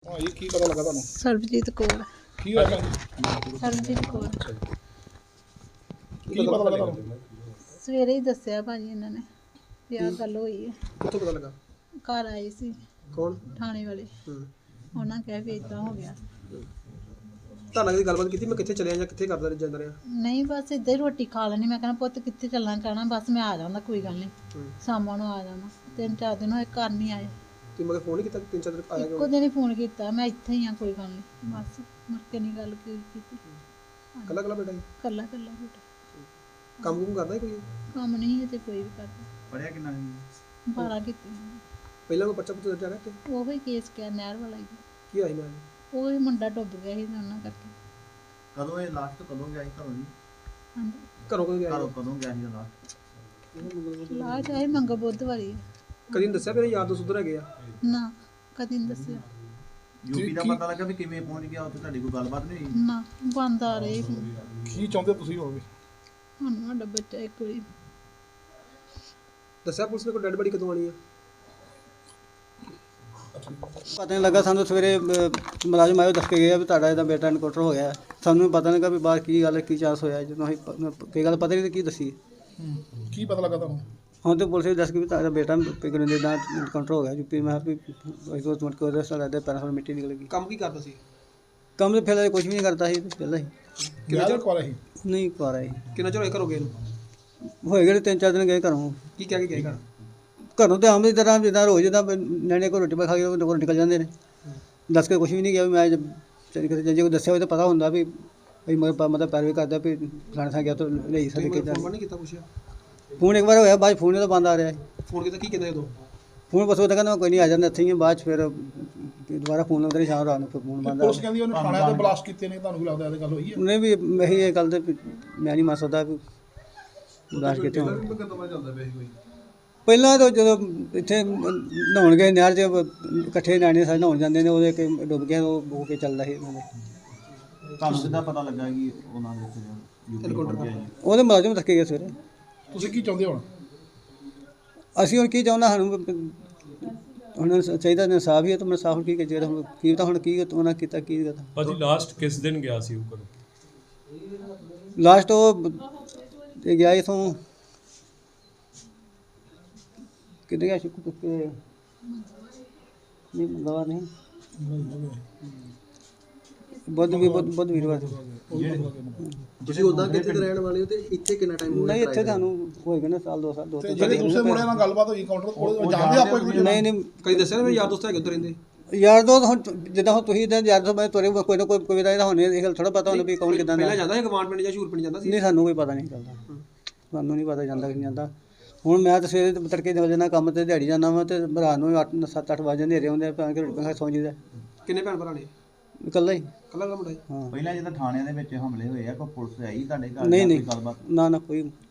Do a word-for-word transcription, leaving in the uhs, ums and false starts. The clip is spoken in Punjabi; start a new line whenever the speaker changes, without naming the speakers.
ਭਾਈ ਕੀ ਪਤਾ ਲੱਗਾ ਤੁਹਾਨੂੰ?
ਸਰਬਜੀਤ ਕੌਰ।
ਕੀ ਹੋਇਆ ਭੈਣ?
ਸਰਬਜੀਤ ਕੌਰ।
ਕੀ ਪਤਾ ਲੱਗਾ ਤੁਹਾਨੂੰ?
ਸਵੇਰੇ ਹੀ ਦੱਸਿਆ ਭਾਜੀ ਇਹਨਾਂ ਨੇ ਵੀ ਆਹ ਗੱਲ ਹੋਈ ਹੈ।
ਕਿੱਥੋਂ ਪਤਾ ਲੱਗਾ?
ਘਰ ਆਏ ਸੀ
ਕੌਣ?
ਥਾਣੇ ਵਾਲੇ।
ਹੂੰ।
ਉਹਨਾਂ ਕਿਹਾ ਵੀ ਏਦਾਂ ਹੋ ਗਿਆ।
ਤੁਹਾਨੂੰ ਲੱਗਦੀ ਗੱਲਬਾਤ ਕੀਤੀ ਮੈਂ ਕਿੱਥੇ ਚਲਿਆ ਜਾਂ ਕਿੱਥੇ ਕਰਦਾ ਜਾਂਦਾ ਰਿਹਾ?
ਨਹੀਂ ਬਸ ਇੱਦਾਂ ਹੀ ਰੋਟੀ ਖਾ ਲੈਣੀ। ਮੈਂ ਕਹਿੰਦਾ ਪੁੱਤ ਕਿੱਥੇ ਚੱਲਣਾ ਕਹਿਣਾ ਬਸ ਮੈਂ ਆ ਜਾਂਦਾ ਕੋਈ ਗੱਲ ਨਹੀਂ ਸ਼ਾਮਾਂ ਨੂੰ ਆ ਜਾਣਾ। ਤਿੰਨ ਚਾਰ ਦਿਨ ਹੋਏ ਘਰ ਨਹੀਂ ਆਏ।
ਤੁਸੀਂ ਮਗਰ ਫੋਨ ਨਹੀਂ ਕੀਤਾ? ਤਿੰਨ ਚਾਰ ਦਿਨ ਆਇਆ
ਇੱਕੋ
ਕਿਉਂ?
ਦਿਨ ਹੀ ਫੋਨ ਕੀਤਾ ਮੈਂ ਇੱਥੇ ਹੀ ਆ ਕੋਈ ਗੱਲ ਨਹੀਂ ਬਸ ਮੁੜ ਕੇ ਨਹੀਂ ਗੱਲ ਕੀ- ਕੀਤੀ।
ਕੱਲਾ ਕੱਲਾ ਬੇਟਾ ਜੀ?
ਕੱਲਾ ਕੱਲਾ ਬੇਟਾ।
ਕੰਮ ਕੁਮ ਕਰਦਾ ਸੀ ਕੋਈ?
ਕੰਮ ਨਹੀਂ ਤੇ ਕੋਈ ਵੀ ਕਰਦਾ।
ਪੜਿਆ ਕਿੰਨਾ ਸੀ?
ਬਾਰਾਂ ਕੀਤੀ।
ਪਹਿਲਾਂ ਕੋਈ ਬੱਚਾ ਪੁੱਤ ਜਾ ਰਿਹਾ ਤੇ
ਉਹੀ ਕੇਸ ਕਿਆ ਨਹਿਰ ਵਾਲਾ ਹੀ।
ਕੀ ਆਈ ਮੈਂ?
ਉਹ ਹੀ ਮੁੰਡਾ ਡੁੱਬ ਗਿਆ ਸੀ ਤੇ ਉਹਨਾਂ ਕਰਕੇ।
ਕਦੋਂ ਇਹ ਲਾਸਟ ਕਦੋਂ ਗਿਆ ਸੀ ਘਰੋਂ ਜੀ?
ਹਾਂਜੀ
ਘਰੋਂ ਕਦੋਂ ਗਿਆ?
ਘਰੋਂ ਕਦੋਂ ਗਿਆ ਸੀ ਲਾਸਟ?
ਲਾਹ ਚਾਹੇ ਮੰਗ ਬੁੱਧ ਵਾਰੀ।
ਕਦੀ ਨੀ ਦੱਸਿਆ ਮੇਰੇ ਯਾਰ ਦੋਸਤ ਉਧਰ ਹੈਗੇ ਆ?
ਨਾ ਕਦੀ ਨਹੀਂ ਦੱਸਿਆ।
ਯੂਪੀ ਦਾ ਪਤਾ ਲੱਗਾ ਵੀ ਕਿਵੇਂ ਪਹੁੰਚ ਗਿਆ ਉੱਥੇ? ਤੁਹਾਡੀ ਕੋਈ ਗੱਲਬਾਤ ਨਹੀਂ ਹੋਈ?
ਨਾ ਬੰਦ ਆ ਰਹੇ ਹੁਣ।
ਕੀ ਚਾਹੁੰਦੇ ਤੁਸੀਂ ਹੋਵੇ?
ਹੁਣ ਸਾਡਾ ਬੱਚਾ ਇੱਕ ਵਾਰੀ
ਦੱਸਿਆ ਪੁਲਿਸ ਨੇ ਕੋਈ ਡੈਡ ਬੜੀ ਕਦੋਂ ਆਣੀ ਆ?
ਪਤਾ ਨਹੀਂ ਲੱਗਾ ਸਾਨੂੰ। ਸਵੇਰੇ ਅਹ, ਮੁਲਾਜ਼ਮ ਆਇਓ ਦੱਸ ਕੇ ਗਿਆ ਵੀ ਤੁਹਾਡਾ ਇਹਦਾ ਬੇਟਾ ਇਨਕਾਊਂਟਰ ਹੋ ਗਿਆ। ਸਾਨੂੰ ਪਤਾ ਨਹੀਂ ਲੱਗਾ ਵੀ ਬਾਹਰ ਕੀ ਗੱਲ ਹੈ, ਕੀ ਚਾਂਸ ਹੋਇਆ। ਜਦੋਂ ਅਸੀਂ ਪ- ਕੋਈ ਗੱਲ ਪਤਾ ਨਹੀਂ ਤੇ ਕੀ ਦੱਸੀ।
ਕੀ ਪਤਾ ਲੱਗਾ ਤੁਹਾਨੂੰ?
ਹੁਣ ਤੇ ਪੁਲਿਸ ਵੀ ਦੱਸ ਕੇ ਵੀ ਤੁਹਾਡਾ ਬੇਟਾ ਪਿਗਨ ਦੇ ਦਾ ਇਨਕਾਊਂਟਰ ਹੋ ਗਿਆ ਯੂਪੀ। ਮੈਂ ਕਿਹਾ ਵੀ ਅਸੀਂ ਤੋਂ ਮਟ ਕੇ ਉਹਦੇ ਸਾਲ ਦੇ ਪੈਰਾਂ ਤੋਂ ਮਿੱਟੀ ਨਿਕਲ ਗਈ।
ਕੰਮ ਕੀ ਕਰਦਾ ਸੀ?
ਕੰਮ ਤੇ ਫਿਰ ਕੁਝ ਵੀ ਨਹੀਂ ਕਰਦਾ ਸੀ ਪਹਿਲਾਂ ਹੀ।
ਕਿੰਨਾ ਚਿਰ ਕੋਲ ਸੀ?
ਨਹੀਂ ਕਰ ਆਏ
ਕਿੰਨਾ ਚਿਰ ਹੋਇਆ ਘਰੋਂ ਗਏ ਨੂੰ?
ਹੋਏ ਗਏ ਤਿੰਨ ਚਾਰ ਦਿਨ ਗਏ ਘਰੋਂ।
ਕੀ ਕਹਿ ਕੇ ਗਏ ਘਰ?
ਘਰੋਂ ਤੇ ਆਮ ਦੀ ਤਰ੍ਹਾਂ ਜਿੱਦਾਂ ਰੋਜ਼ ਜਿੱਦਾਂ ਨਿਆਣੇ ਕੋਲ ਰੋਟੀ ਪਾ ਖਾ ਕੇ ਉਹ ਘਰੋਂ ਨਿਕਲ ਜਾਂਦੇ ਨੇ। ਦੱਸ ਕੇ ਕੁਝ ਵੀ ਨਹੀਂ ਗਿਆ ਵੀ ਮੈਂ ਚਲੀ ਕਿਤੇ ਜੇ ਕੋਈ ਦੱਸਿਆ ਹੋਵੇ ਤਾਂ ਪਤਾ ਹੁੰਦਾ ਵੀ ਵੀ ਮਤਲਬ ਮਤਲਬ ਪੈਰਵੀ ਕਰਦਾ ਵੀ ਫਲਾਣੇ ਥਾਂ ਗਿਆ ਤਾਂ ਲਈ ਸਕਦੇ
ਤੁਸੀਂ
ਕਿੱਦਾਂ।
ਫੋਨ ਨਹੀਂ ਕੀਤਾ ਪੁੱਛਿਆ?
ਫੋਨ ਇੱਕ ਵਾਰ ਹੋਇਆ ਬਾਅਦ 'ਚ ਫੋਨ ਤਾਂ ਬੰਦ ਆ ਰਿਹਾ।
ਫੋਨ ਕੀਤਾ ਕੀ ਕਹਿੰਦਾ ਉਦੋਂ?
ਫੋਨ ਬਸ ਉਹ ਤਾਂ ਕਹਿੰਦਾ ਕੋਈ ਨਹੀਂ ਆ ਜਾਂਦਾ ਇੱਥੇ ਹੀ ਆ। ਬਾਅਦ 'ਚ ਫਿਰ ਦੁਬਾਰਾ ਫੋਨ ਲਾਉਂਦੇ ਨੇ ਸ਼ਾਮ ਰਾਤ ਨੂੰ ਫਿਰ ਫੋਨ ਬੰਦ ਆ
ਪੁਲਿਸ ਕਹਿੰਦੀ ਉਹਨੇ ਥਾਣੇ ਤੇ ਬਲਾਸਟ ਕੀਤੇ ਨੇ। ਤੁਹਾਨੂੰ ਕੀ ਲੱਗਦਾ ਇਹ ਗੱਲ ਹੋਈ ਹੈ?
ਉਹਨੇ ਵੀ ਇਹੀ ਇਹ ਗੱਲ ਤੇ ਵੀ ਮੈਂ ਨਹੀਂ ਮੰਨ ਸਕਦਾ ਵੀ ਬਲਾਸਟ ਕਿਤੇ ਹੋਣ। ਪਹਿਲਾਂ ਤਾਂ ਜਦੋਂ ਇੱਥੇ ਨਹਾਉਣ ਗਏ ਨਹਿਰ 'ਚ ਇਕੱਠੇ ਨਿਆਣੇ ਸਾਰੇ ਨਹਾਉਣ ਜਾਂਦੇ ਨੇ ਉਹਦੇ ਕਿ ਡੁੱਬ ਗਿਆ ਉਹ ਹੋ ਕੇ ਚੱਲਦਾ ਸੀ ਉਹਨਾਂ ਦੇ।
ਤੁਹਾਨੂੰ ਕਿੱਦਾਂ ਪਤਾ ਲੱਗਾ ਕਿ ਉਹਨਾਂ ਦੇ ਉੱਥੇ ਯੂਪੀ ਪਹੁੰਚ ਗਿਆ ਜੀ?
ਉਹਦੇ ਮੁਲਾਜ਼ਮ ਰੱਖੇ ਗਏ ਸਵੇਰੇ।
ਤੁਸੀਂ ਕੀ ਚਾਹੁੰਦੇ ਹੁਣ?
ਅਸੀਂ ਹੁਣ ਕੀ ਚਾਹੁੰਦਾ ਸਾਨੂੰ ਹੁਣ ਚਾਹੀਦਾ ਇਨਸਾਫ ਹੀ ਹੈ ਤਾਂ ਮੈਂ ਸਾਫ ਕੀ ਜਿਹੜਾ ਹੁਣ ਕੀ ਤਾਂ ਹੁਣ ਕੀ ਉਹਨਾਂ ਕੀਤਾ ਕੀ ਕਰਤਾ।
ਭਾਜੀ ਲਾਸਟ ਕਿਸ ਦਿਨ ਗਿਆ ਸੀ ਉਹ ਘਰੋਂ?
ਲਾਸਟ ਉਹ ਇਹ ਗਿਆ ਇਥੋਂ ਕਿੱਥੇ ਗਿਆ ਸ਼ੁਕਰ ਤੁੱਕੇ ਨਹੀਂ ਮੰਗਵਾ ਨਹੀਂ ਬੁੱਧ ਵੀ ਬੁੱਧ ਬੁੱਧ ਵੀਰਵਾਰ।
ਤੁਸੀਂ ਉਦਾਂ ਕਿੱਥੇ ਦੇ ਰਹਿਣ ਵਾਲੇ ਹੋ ਤੇ ਇੱਥੇ ਕਿੰਨਾ ਟਾਈਮ ਹੋ ਗਿਆ?
ਨਹੀਂ ਇੱਥੇ ਤੁਹਾਨੂੰ ਹੋਏਗਾ ਨਾ ਸਾਲ ਦੋ ਸਾਲ ਦੋ ਤਿੰਨ
ਜਿਹੜੇ ਦੂਸਰੇ ਮੁੰਡੇ ਨਾਲ ਗੱਲਬਾਤ ਹੋਈ ਕਾਊਂਟਰ ਕੋਲ ਜਾਣਦੇ ਆਪੋ ਇੱਕ ਦੂਜੇ ਨੂੰ?
ਨਹੀਂ ਨਹੀਂ
ਕਦੀ ਦੱਸਿਆ ਨਾ ਮੇਰੇ ਯਾਰ ਦੋਸਤ ਹੈਗੇ ਉੱਧਰ ਰਹਿੰਦੇ?
ਯਾਰ ਦੋ ਹੁਣ ਜਿੱਦਾਂ ਹੁਣ ਤੁਸੀਂ ਇਦਾਂ ਯਾਰ ਦੋ ਮੈਂ ਤੁਹਾਡੇ ਕੋਈ ਨਾ ਕੋਈ ਕੋਈ ਦਾ ਹੋਣੇ ਇਹ ਗੱਲ ਥੋੜਾ ਪਤਾ ਹੁੰਦਾ ਵੀ ਕੌਣ ਕਿਦਾਂ ਦਾ।
ਪਹਿਲਾਂ ਜਾਂਦਾ ਸੀ ਗਵਾਂਡ ਪਿੰਡ ਜਾਂ ਸ਼ੂਰ ਪਿੰਡ ਜਾਂਦਾ ਸੀ?
ਨਹੀਂ ਸਾਨੂੰ ਕੋਈ ਪਤਾ ਨਹੀਂ ਚੱਲਦਾ। ਸਾਨੂੰ ਨਹੀਂ ਪਤਾ ਜਾਂਦਾ ਕਿ ਨਹੀਂ ਜਾਂਦਾ। ਹੁਣ ਮੈਂ ਤਾਂ ਸਵੇਰੇ ਤੜਕੇ ਨਿਕਲ ਜਾਂਦਾ ਕੰਮ ਤੇ ਦਿਹਾੜੀ ਜਾਂਦਾ ਵਾ ਤੇ ਰਾਤ ਨੂੰ ਅੱਠ ਸੱਤ ਅੱਠ ਵਜੇ ਹਨੇਰੇ ਹੁੰਦੇ ਆ ਕੇ ਰੋਟੀ ਖਾ ਸੌਂ ਜੀਦਾ।
ਕਿੰਨੇ ਭੈਣ ਭਰਾ ਨੇ?
ਇਕੱਲਾ ਹੀ।
ਕੱਲਾ ਕੱਲਾ ਮੁੰਡਾ?
ਹਾਂ
ਪਹਿਲਾਂ ਜਦੋਂ ਥਾਣਿਆਂ ਦੇ ਵਿੱਚ ਹਮਲੇ ਹੋਏ ਆ ਕੋਈ ਪੁਲਿਸ ਆਈ ਤੁਹਾਡੇ ਘਰ
ਨਹੀਂ
ਜਾਂ
ਨਹੀਂ
ਕੋਈ ਗੱਲਬਾਤ?
ਨਾ ਨਾ ਕੋਈ